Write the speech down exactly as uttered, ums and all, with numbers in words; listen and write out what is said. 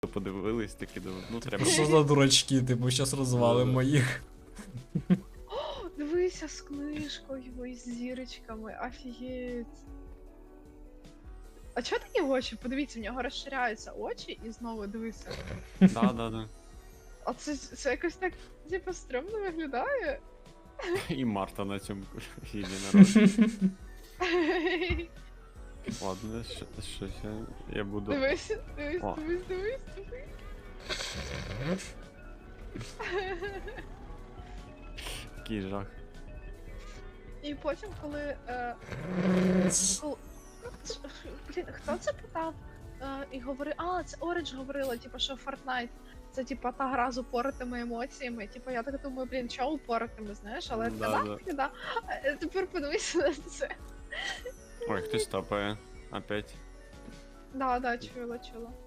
подивились, такі думаю, ну треба. Що за дурачки, типу, щас розвалимо їх. О, дивися з книжкою і з зірочками, офігеть. А чого такі очі? Подивіться, в нього розширяються очі і знову дивися. Да, да, да. А це, це якось так, типу, стрьомно виглядає. І Марта на цьому єдинорожці. Ладно, що, що я, я буду. Дивись, дивись, О. дивись, дивись, дивись. Який жах. І потім, коли. Е, коли блін, хто це питав? Е, і говорив, а, це Оранж говорила, типу, що Fortnite. Це типа та гра з упоротими емоціями. Типу, я так думаю, блін, що упоротими, знаєш, але Да, да, да. да, да. А тепер подивися на це. Ой, хтось тапає. Опять. Да, да, чула, чула.